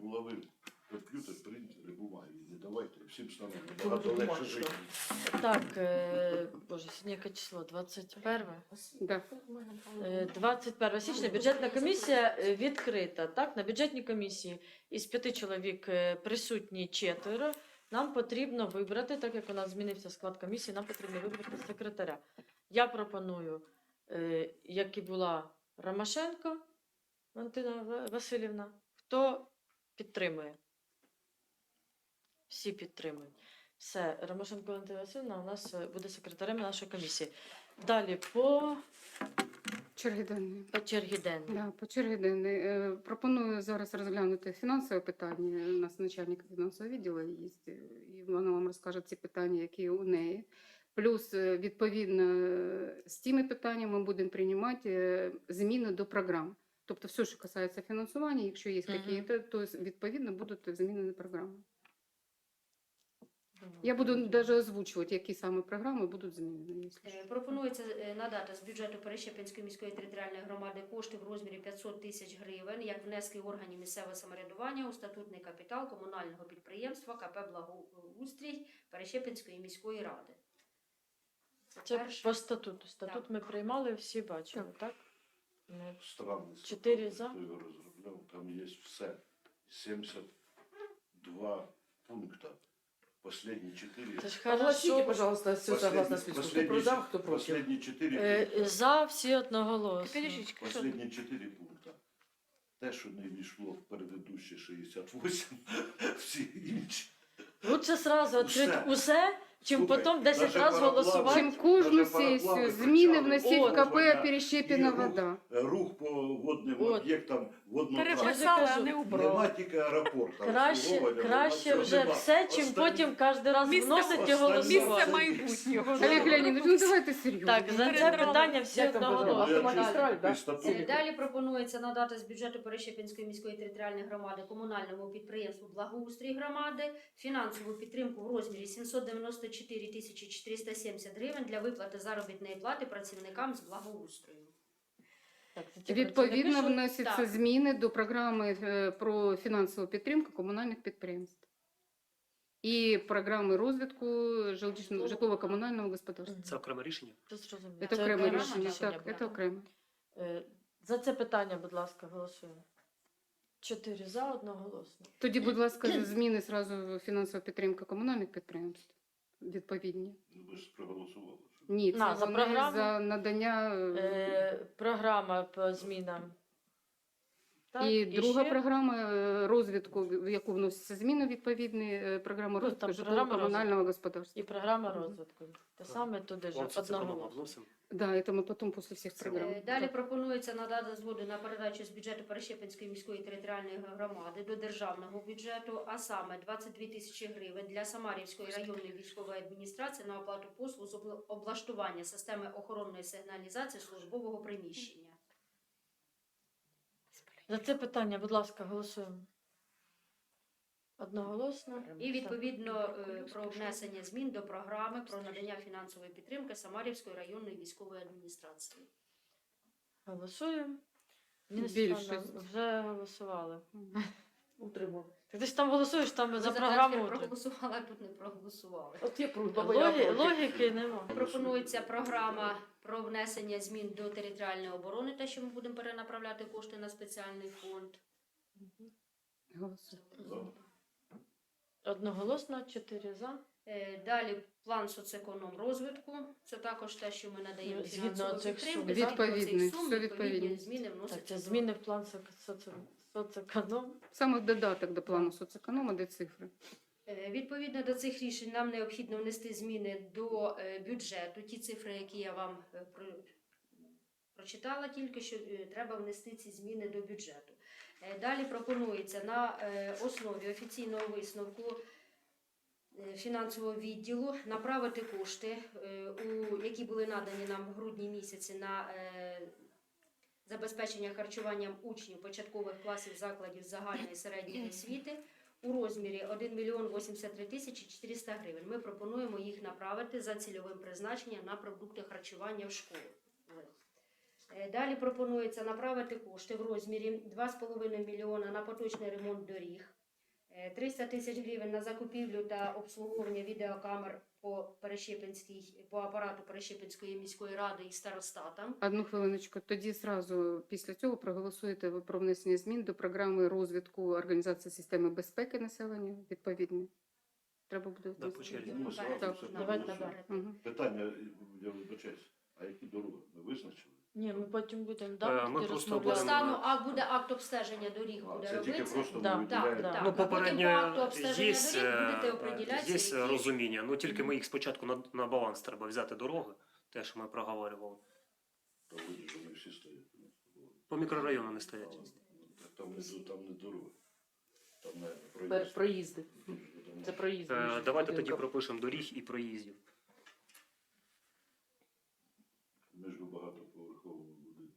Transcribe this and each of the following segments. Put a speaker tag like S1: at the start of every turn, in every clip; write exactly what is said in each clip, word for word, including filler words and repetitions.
S1: булави комп'ютер, принтери, бумаги. Не давайте, всім стане набагато легше жити.
S2: Так, е, боже, сьогодні яке число? двадцять перше?
S3: Да.
S2: Е, двадцять перше січня бюджетна комісія е, відкрита. Так, на бюджетній комісії із п'яти чоловік е, присутні четверо. Нам потрібно вибрати, так як у нас змінився склад комісії, нам потрібно вибрати секретаря. Я пропоную, е, як і була Ромашенко Валентина Васильівна. Хто підтримує? Всі підтримують. Все, Ромашенко Валентина Васильівна у нас е, буде секретарем нашої комісії. Далі по,
S3: Черги денної.
S2: по чергі денної.
S3: Да, по черги денної. Е, Пропоную зараз розглянути фінансове питання. У нас начальник фінансового відділу є, і вона вам розкаже ці питання, які у неї. Плюс, е, відповідно, е, з тими питаннями ми будемо приймати е, зміни до програм. Тобто все, що касається фінансування, якщо є
S2: Мгм.
S3: якісь, то відповідно будуть зміни до програми. Я буду навіть озвучувати, які саме програми будуть змінені. якщо що.
S4: Е, Пропонується е, надати з бюджету Перещепинської міської територіальної громади кошти в розмірі п'ятсот тисяч гривень як внески органів місцевого самоврядування у статутний капітал комунального підприємства КП «Благоустрій» Перещепинської міської ради.
S2: Це
S4: перше.
S2: по статуту. Статут
S4: Так.
S2: ми приймали, всі бачили, так? Ми-
S1: Странний
S2: Чотири
S1: статут,
S2: за.
S1: хто його розробляв, там є все. сімдесят два пункта. Последние четыре.
S2: Це ж
S5: Огласите,
S2: хорошо.
S5: пожалуйста, все согласно списку. Кто про за, кто против.
S1: Последние четыре
S2: Е,
S1: пункта.
S2: За всі одноголосно.
S1: Последние четыре пункта. Те, що не війшло в передыдущі шістдесят вісім, всі інші.
S2: Лучше сразу відкрити
S1: Усе.
S2: усе, чим
S1: Слухай,
S2: потім десять
S1: даже
S2: разів
S1: пароплав-
S2: голосувати.
S3: Чим кожну
S1: Даже пароплави
S3: сесію зміни
S1: кричали,
S3: вносить в
S2: «От
S3: КП
S1: вона
S3: Перещепіна
S1: і рух-
S3: вода.
S1: Рух по водним
S2: От.
S1: об'єктам водного
S2: Переписали,
S1: транспорту.
S2: а не
S1: Нема тільки аеропорту.
S2: Краще,
S1: обслуговування,
S2: краще
S1: нема,
S2: вже
S1: нема.
S2: все, чим
S1: Останні-
S2: потім кожен раз
S6: Місце-
S2: вносить і
S1: останні-
S2: голосувати.
S1: Місце
S6: майбутнього.
S3: Олег Леонідович, ну давайте серйозно.
S2: Так, за це питання всі
S5: Як там
S2: одноголосно.
S5: програма? Автомагістраль, да?
S1: Статут.
S4: Е, Далі пропонується надати з бюджету Перещепинської міської територіальної громади комунальному підприємству «Благоустрій громади» фінансову підтримку в розмірі сімсот дев'яносто чотири тисячі чотириста сімдесят гривень для виплати заробітної плати працівникам з благоустрою.
S2: Так, це ті
S3: Відповідно,
S2: працівники, що-
S3: вносяться
S4: Так.
S3: зміни до програми е, про фінансову підтримку комунальних підприємств і програми розвитку жилищно- житлово-комунального господарства.
S7: Це окреме рішення?
S2: Це зрозуміло.
S3: Це
S2: Це
S3: окреме
S4: окреме
S3: рішення.
S4: рішення
S3: Так,
S4: буде.
S3: це окремо.
S2: Е, За це питання, будь ласка, голосуємо. Чотири за, одноголосно.
S3: Тоді, будь ласка, зміни зразу фінансова підтримка комунальних підприємств. Відповідні.
S1: Ну, ви ж проголосували. що-
S3: Ні, це
S2: На, за
S3: вони
S2: програму?
S3: за надання. е,
S2: Е, Програма по змінам. Так,
S3: І друга
S2: ще?
S3: програма е, розвитку, в яку вносяться зміни відповідні, е, програма
S2: Ну,
S3: розвитку
S2: там
S3: житлово-комунального
S2: програма
S3: господарства.
S2: І програма розвитку. Те саме туди ж
S7: Он це програма
S2: одноголосно.
S7: вносимо.
S3: Да, це ми потім після всіх програм.
S4: Е, Далі пропонується надати згоду на передачу з бюджету Перещепинської міської територіальної громади до державного бюджету, а саме двадцять дві тисячі гривень для Самарівської районної військової адміністрації на оплату послуг з обла- облаштування системи охоронної сигналізації службового приміщення.
S2: За це питання, будь ласка, голосуємо. Одноголосно.
S4: І відповідно е, про внесення змін до програми про надання фінансової підтримки Самарівської районної військової адміністрації.
S2: Голосуємо. Ніна
S3: Більшість.
S2: Степанівна, вже голосували.
S5: Утримав.
S2: Ти ж там голосуєш, там
S4: Ви
S2: за
S4: за
S2: програму.
S4: Франків
S2: утримуєш.
S4: проголосували, а тут не проголосували.
S5: От є просьба
S2: Логі-
S5: моя.
S2: Логіки нема.
S4: Пропонується програма про внесення змін до територіальної оборони, те, що ми будемо перенаправляти кошти на спеціальний фонд.
S3: Голосуємо.
S1: За.
S2: Одноголосно, чотири за.
S4: Е, Далі план соцеконом розвитку. Це також те, що ми надаємо
S2: Згідно
S4: фінансову
S2: цих
S4: підтримку.
S2: сум.
S4: Згідно
S3: Відповідний,
S4: цих сум,
S3: все
S4: відповідні
S3: відповідно.
S4: зміни
S2: Так,
S4: вносяться.
S2: це
S4: до-
S2: зміни в план соц- соц- соцеконом.
S3: Саме додаток до плану соцеконома, де цифри.
S4: Е, Відповідно до цих рішень нам необхідно внести зміни до е, бюджету. Ті цифри, які я вам е, про- прочитала, тільки що е, треба внести ці зміни до бюджету. Е, Далі пропонується на е, основі офіційного висновку е, фінансового відділу направити кошти, е, у які були надані нам в грудні місяці на е, забезпечення харчуванням учнів початкових класів закладів загальної і середньої освіти у розмірі один мільйон вісімдесят три тисячі чотириста гривень. Ми пропонуємо їх направити за цільовим призначенням на продукти харчування в школу. Е, Далі пропонується направити кошти в розмірі два з половиною мільйона на поточний ремонт доріг, е, триста тисяч гривень на закупівлю та обслуговування відеокамер по Перещепинській, по апарату Перещепинської міської ради і старостатам.
S3: Одну хвилиночку. Тоді зразу після цього проголосуєте ви про внесення змін до програми розвитку організації системи безпеки населення відповідні. Треба буде
S6: Да, по черзі.
S1: Ну, зразу
S4: Наперед,
S1: все
S2: Давайте
S1: проголосуємо.
S4: наперед.
S3: Мгм.
S1: Питання, я вибачаюсь, а які дороги? Ми визначили?
S2: Ні, ми потім будемо
S6: Е,
S2: да,
S6: ми
S2: тоді
S6: просто
S2: розмовляти.
S6: оберемо-
S4: Стану, а буде акт обстеження доріг,
S1: А,
S4: буде
S1: це тільки
S4: робитися.
S1: просто
S2: Да,
S1: ми
S2: да,
S1: виділяємо.
S4: да.
S6: Ну,
S4: А потім по акту
S6: попередньо
S4: обстеження
S6: є,
S4: доріг будете
S6: е,
S4: определятися,
S6: є
S4: які-
S6: розуміння. Ну тільки ми їх спочатку на, на баланс треба взяти дороги, те, що ми проговорювали.
S1: Та вроді ж вони всі стоять.
S6: По мікрорайону не стоять.
S1: Так Там не, там не дороги. Там не
S5: Пер-
S1: проїзд.
S5: Проїзди.
S1: Там
S5: Це проїзди.
S6: Е,
S5: між
S6: давайте тоді
S5: будинками.
S6: пропишемо доріг і проїздів.
S1: Між багатоповерховими будинками.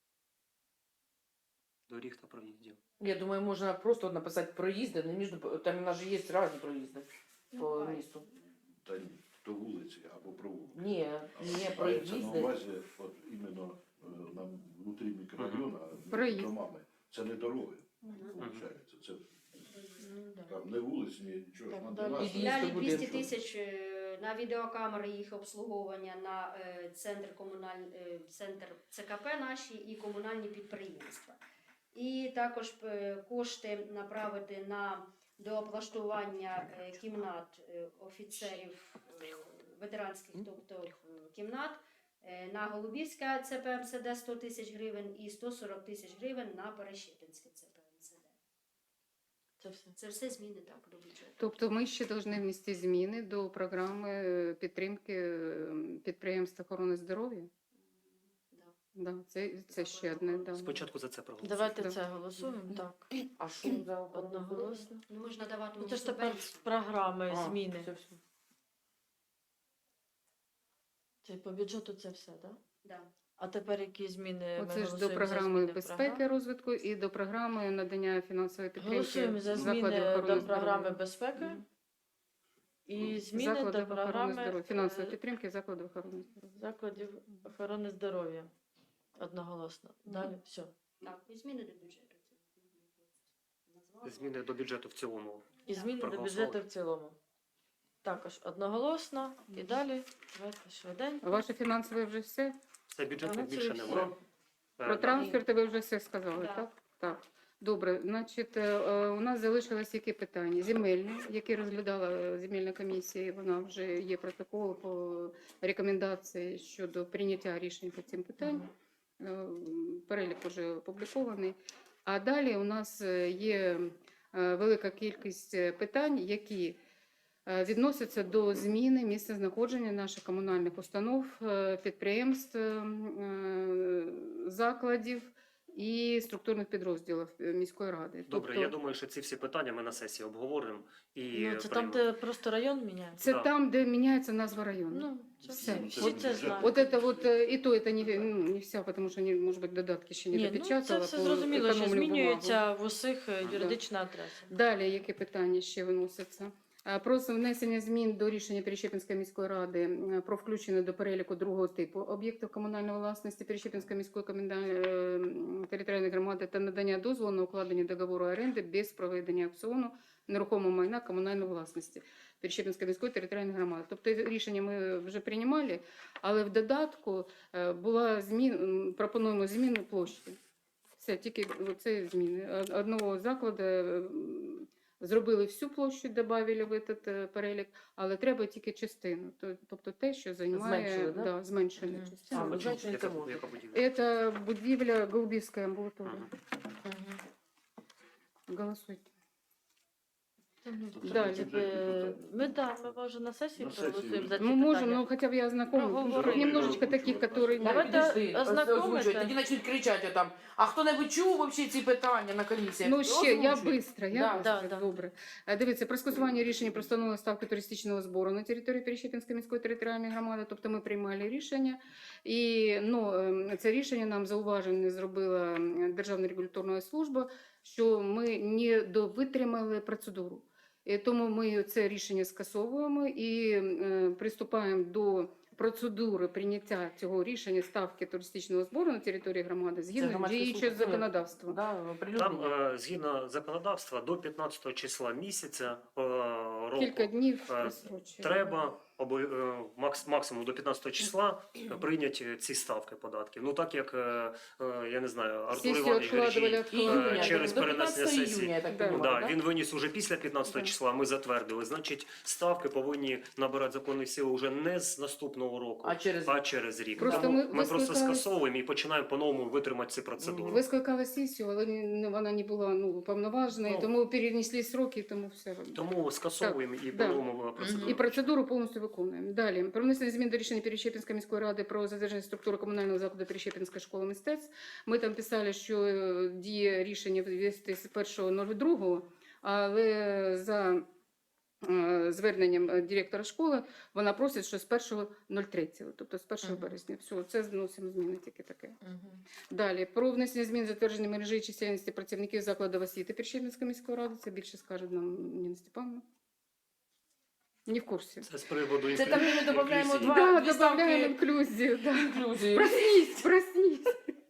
S6: Доріг та проїздів.
S5: Я думаю, можна просто написати проїзди, не між там у нас же є різні проїзди
S4: Ну,
S5: по
S4: хай.
S5: місту.
S1: Та ні, то вулиці або провулки.
S5: Ні,
S1: А
S5: не
S1: мається на
S5: проїзди.
S1: увазі, от іменно е, нам внутрі мікрорайону, а
S3: Проїзд.
S1: між домами. Це не дороги,
S4: Мгм.
S1: виходить. Це
S2: Ну, да.
S1: там не вулиці, ні нічого.
S2: Так,
S1: ж
S2: далі.
S1: надо
S5: І
S4: Далі
S5: Місто
S4: двісті
S5: будинку.
S4: тисяч е, на відеокамери, їх обслуговування, на е, центр комуналь... е, центр ЦКП наші і комунальні підприємства. І також е, кошти направити на дооблаштування е, кімнат е, офіцерів е, ветеранських, тобто е, кімнат. Е, На Голубівське ЦПМСД сто тисяч гривень і сто сорок тисяч гривень на Перещепинське ЦПМСД.
S2: Це все.
S4: Це все зміни так до бюджету.
S3: Тобто ми ще повинні внести зміни до програми е, підтримки е, підприємств охорони здоров'я.
S4: Да.
S3: Да, це, це ще одне. Да.
S6: Спочатку за це проголосуємо.
S2: Давайте
S3: Да.
S2: це голосуємо, так.
S5: А що за охорону здоров'я?
S2: Одноголосно.
S4: Ну, можна давати
S2: Ну, це ж тепер з
S4: субвенцію.
S2: програми
S5: А,
S2: зміни.
S5: все, все.
S2: Це по бюджету це все, так?
S4: Да.
S2: А тепер які зміни ми
S3: Оце ж до
S2: голосуємо за
S3: програми
S2: зміни в
S3: безпеки
S2: програму?
S3: розвитку і до програми надання фінансової підтримки
S2: Голосуємо за
S3: закладів
S2: зміни
S3: охорони
S2: до програми
S3: здоров'я.
S2: безпеки
S3: Мгм.
S2: і зміни
S3: Закладів
S2: до
S3: охорони
S2: програми
S3: здоров'я, фінансової
S2: е,
S3: підтримки закладів охорони здоров'я.
S2: закладів охорони здоров'я. Одноголосно. Далі все.
S4: Так, і зміни до бюджету. Назвала.
S6: Зміни до бюджету в цілому.
S2: І зміни до
S6: Проголосували.
S2: бюджету в цілому. Також одноголосно. І далі. Давайте швиденько.
S3: Ваше фінансове вже все?
S6: Це бюджетних
S2: Але це
S6: більше
S2: все.
S6: немає. Е,
S3: Про
S6: да.
S3: трансферти ви вже все сказали,
S4: Да.
S3: так? Так. Добре, значить, е, е, у нас залишилось які питання? Земельні, які розглядала е, земельна комісія, вона вже є протокол по рекомендації щодо прийняття рішень по цим питанням. Е, Перелік вже опублікований. А далі у нас е, є е, велика кількість е, питань, які е, відносяться до зміни місця знаходження наших комунальних установ, е, підприємств, е, е, закладів і структурних підрозділів е, міської ради.
S6: Добре,
S3: Тобто
S6: я думаю, що ці всі питання ми на сесії обговоримо і
S2: Ну, це там,
S6: приймемо.
S2: де просто район міняється.
S3: це
S6: Да.
S3: там, де міняється назва району.
S2: Ну, це
S3: Все.
S2: все.
S1: От-
S2: Всі це знають.
S3: Вот это вот, э, и то это не, ну, не вся, потому что, не, может быть, додатки ще не
S2: Ні, ну, це
S3: допечатала.
S2: все
S3: то
S2: зрозуміло, що
S3: економлю
S2: змінюється в усіх е,
S3: Да.
S2: юридична адреса.
S3: Далі, які питання ще виносяться? Е, Про внесення змін до рішення Перещепинської міської ради е, про включення до переліку другого типу об'єктів комунальної власності Перещепинської міської комунальної е, територіальної громади та надання дозволу на укладення договору оренди без проведення аукціону нерухомого майна комунальної власності Перещепинської міської територіальної громади. Тобто рішення ми вже приймали, але в додатку е, була змін, м, пропонуємо зміну площі. Все, тільки це зміни. Од- Одного закладу м, зробили всю площу, додали в этот е, перелік, але треба тільки частину. То- Тобто те, що займає
S5: Зменшили, да?
S3: да, зменшену
S2: Мгм.
S3: частину.
S5: А, ну,
S6: Яка-
S5: значить,
S6: яка-
S5: це можна.
S6: яка будівля?
S3: Це будівля Голубівської амбулаторії.
S6: Мгм.
S2: Мгм.
S3: Голосуйте.
S2: Ну,
S3: Далі.
S2: бюджетні питання. Ми да, ми вже на сесії
S1: На сесії
S2: проголосуємо за ці
S3: Мы можем,
S2: питання.
S3: но хотя бы я знакома.
S2: Проговорили.
S3: Немножечко таких, которые...
S2: Давайте
S5: Підожди,
S2: ознакомити.
S5: озвучуй, тоді почнуть кричати там. А хто-небудь чув вообще ці питання на комісії?
S3: Ну, ще, я
S5: Озвучуй.
S3: быстро, я
S5: Да,
S3: быстро,
S2: да, да.
S3: добре. Е, Дивіться, про скасування рішення про встановлення ставки туристичного збору на території Перещепинської міської територіальної громади, тобто ми приймали рішення, і ну, ем, це рішення нам зауваження зробила ем, Державна регуляторна служба, що ми не довитримали процедуру. І тому ми це рішення скасовуємо і е, приступаємо до процедури прийняття цього рішення ставки туристичного збору на території громади згідно
S5: громадське
S3: діючого
S5: слухання.
S3: законодавства.
S5: Да,
S6: Там,
S5: оприлюднення.
S6: е, згідно законодавства, до п'ятнадцятого числа місяця е, року
S3: Кілька днів
S6: Е,
S3: просрочує.
S6: треба обо- е, макс- максимум до п'ятнадцятого числа прийняти ці ставки податків. Ну так як, е, е, я не знаю, Артур
S3: Сесію
S6: Іванович
S3: відкладували,
S6: Грижій,
S3: відкладували.
S6: е, через
S5: до
S6: перенесення
S5: п'ятнадцятого
S6: сесії.
S5: іюня, я так
S3: Да.
S5: понимаю,
S6: Да,
S5: да?
S6: він виніс уже після п'ятнадцятого
S3: Да.
S6: числа, ми затвердили. Значить, ставки повинні набирати законної сили вже не з наступного року,
S5: А через
S6: а через рік.
S3: Просто
S6: Тому
S3: ми
S6: ми, просто
S3: вискликали-
S6: скасовуємо і починаємо по-новому витримати ці процедури.
S5: Мгм.
S3: Ви скликали сесію, але не- вона не була ну, повноважена, і
S6: Ну.
S3: тому перенесли сроки, і тому все.
S6: Тому скасовуємо і
S3: да.
S6: по-новому процедуру.
S3: І процедуру повністю виконуємо. Далі. Про внесення змін до рішення Перещепінської міської ради про затвердження структури комунального закладу Перещепінська школа мистецтв. Ми там писали, що е, діє рішення ввести з першого другого, але за е, зверненням е, директора школи вона просить, що з першого третього, тобто з першого
S2: Мгм.
S3: березня. Все, це зносимо зміни тільки таке.
S2: Мгм.
S3: Далі про внесення змін затвердження мережі і чисельності працівників закладів освіти Перещепінської міської ради. Це більше скаже нам Ніна Степановна. Не в курсі.
S6: Це з приводу
S5: Це там, де ми додаємо
S6: інклюзії.
S5: два-
S3: Да,
S5: дві
S3: добавляємо
S5: ставки.
S3: інклюзію. Да.
S5: Інклюзії.
S3: Проснись, проснись.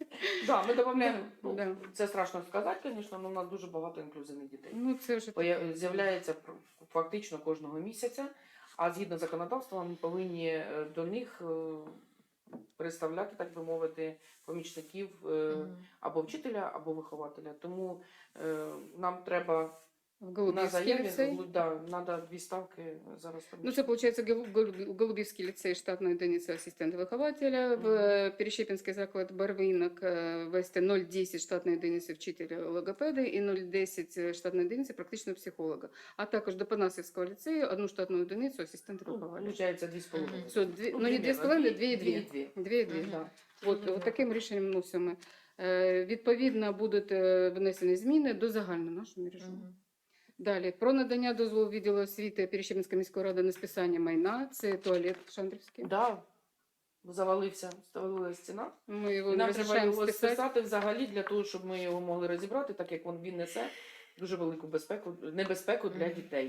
S5: Да, ми додаємо. Ну,
S3: Да.
S5: Це страшно сказати, звісно, але у нас дуже багато інклюзивних дітей.
S3: Ну, це вже
S5: Поя- З'являється пр- фактично кожного місяця, а згідно законодавства ми повинні е, до них е, представляти, так би мовити, помічників е,
S2: Мгм.
S5: або вчителя, або вихователя. Тому е, нам треба
S3: в
S5: на
S3: Голубівський
S5: заяві,
S3: ліцей.
S5: да, треба дві ставки зараз.
S3: Ну, це, виходить, в Голубівський ліцей штатна одиниця асистента вихователя, в е, Перещепінський заклад Барвинок е, ввести нуль десять штатної одиниці вчителя логопеди і нуль десять штатної одиниці практичного психолога. А також до Панасівського ліцею одну штатну одиницю асистента
S5: Ну,
S3: вихователя.
S5: Получається дві з половиною.
S3: Все, дві, ну, не
S5: примерно,
S3: дві з половиною,
S5: дві-
S3: дві і дві.
S5: дві.
S3: Дві і дві,
S2: Мгм.
S3: да. От,
S2: Зрозуміло.
S3: от таким рішенням вносимо. Е, Відповідно, будуть е, внесені зміни до загальної нашої мережі.
S2: Мгм.
S3: Далі про надання дозволу відділу освіти Перещепінської міської ради на списання майна. Це туалет Шандрівський.
S5: Да, завалився, завалилася стіна.
S3: Ми його
S5: І нам треба
S3: розрішаємо
S5: його
S3: списати.
S5: списати взагалі для того, щоб ми його могли розібрати, так як він, він несе дуже велику безпеку, небезпеку для
S2: Мгм.
S5: дітей.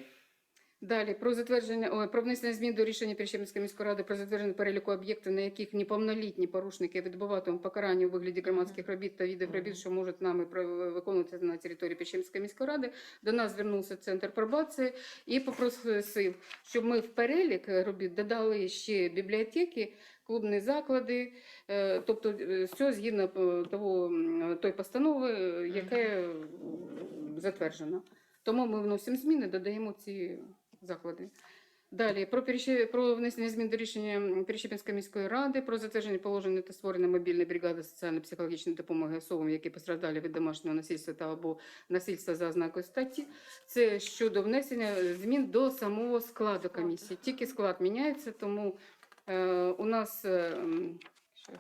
S3: Далі про затвердження ой, про внесення змін до рішення Перещепінської міської ради про затвердження переліку об'єктів, на яких неповнолітні порушники відбуватимуть покарання у вигляді громадських робіт та видів робіт, що можуть нами про- виконуватися на території Перещепінської міської ради. До нас звернувся центр пробації і попросив, щоб ми в перелік робіт додали ще бібліотеки, клубні заклади, е, тобто е, все згідно е, того м, той постанови, е, яке е, затверджено. Тому ми вносимо зміни, додаємо ці заклади. Далі про, переще- про внесення змін до рішення Перещепінської міської ради про затвердження положення та створення мобільної бригади соціально-психологічної допомоги особам, які постраждали від домашнього насильства та або насильства за ознакою статті. Це щодо внесення змін до самого складу комісії. Тільки склад міняється, тому е, у нас е, м, щас.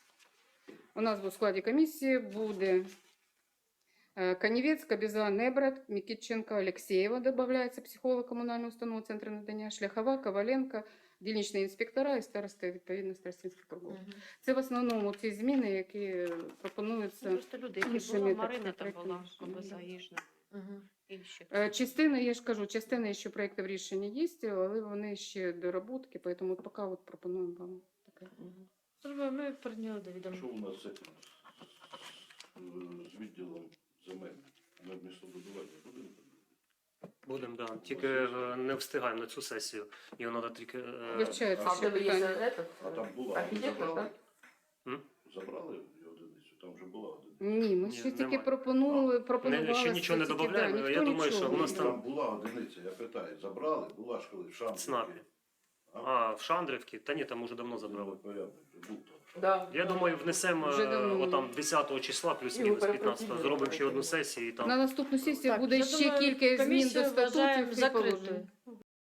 S3: у нас у складі комісії буде Э, Каневец, Кобиза, Небрат, Микитченко, Алексеева добавляется, психолог коммунального установи Центра надання, Шляхова, Коваленко, дільничні інспектора і старости, відповідно, старостинських кругів.
S2: Мгм.
S3: Це в основному ті зміни, які пропонуються.
S7: Ну, просто люди, які
S3: іншими
S7: були,
S3: так
S7: Марина там
S3: проектами
S7: була,
S3: рішення,
S7: Кобиза,
S3: да.
S7: Їжна,
S2: Мгм.
S7: інші.
S3: Е, Частина, я ж кажу, частина ще проєктів рішення є, але вони ще доработки, тому от поки от пропонуємо вам таке.
S2: Зробили, Ми прийняли до відома.
S1: Що у нас з цим, з відділом земель на містобудування будемо?
S6: Будемо, да. Тільки е, не встигаємо на цю сесію. Його треба тільки. е,
S3: Вивчається
S5: А в
S3: ще
S5: тебе є
S3: питання.
S5: этот,
S1: А там була,
S5: архітектор,
S1: забрали?
S5: так?
S1: Забрали її одиницю, там вже була одиниця.
S3: Ні, ми
S6: Ні,
S3: ще тільки
S6: немає.
S3: пропонували, пропонували.
S6: ще нічого не
S3: тільки,
S6: додаємо.
S3: да,
S6: Я
S3: ніхто
S6: думаю,
S3: нічого
S6: що у нас
S3: не
S6: там-
S1: Там була одиниця, я питаю, забрали, була ж коли в Шамбурі.
S6: ЦНАПі. А, в Шандрівці? Та ні, там уже давно забрали.
S1: Порядок, був там.
S5: Да.
S6: Я думаю, внесемо
S3: Вже
S6: е,
S3: давно.
S6: отам десятого числа, плюс-мінус
S5: Його
S6: п'ятнадцятого.
S5: перепросили.
S6: Зробимо ще одну сесію і
S3: На
S6: там.
S3: наступну сесію
S2: Так,
S3: буде
S2: я
S3: ще
S2: думаю,
S3: кілька змін
S2: комісію
S3: до
S2: вважаємо
S3: статутів і
S2: закритою.
S3: положень.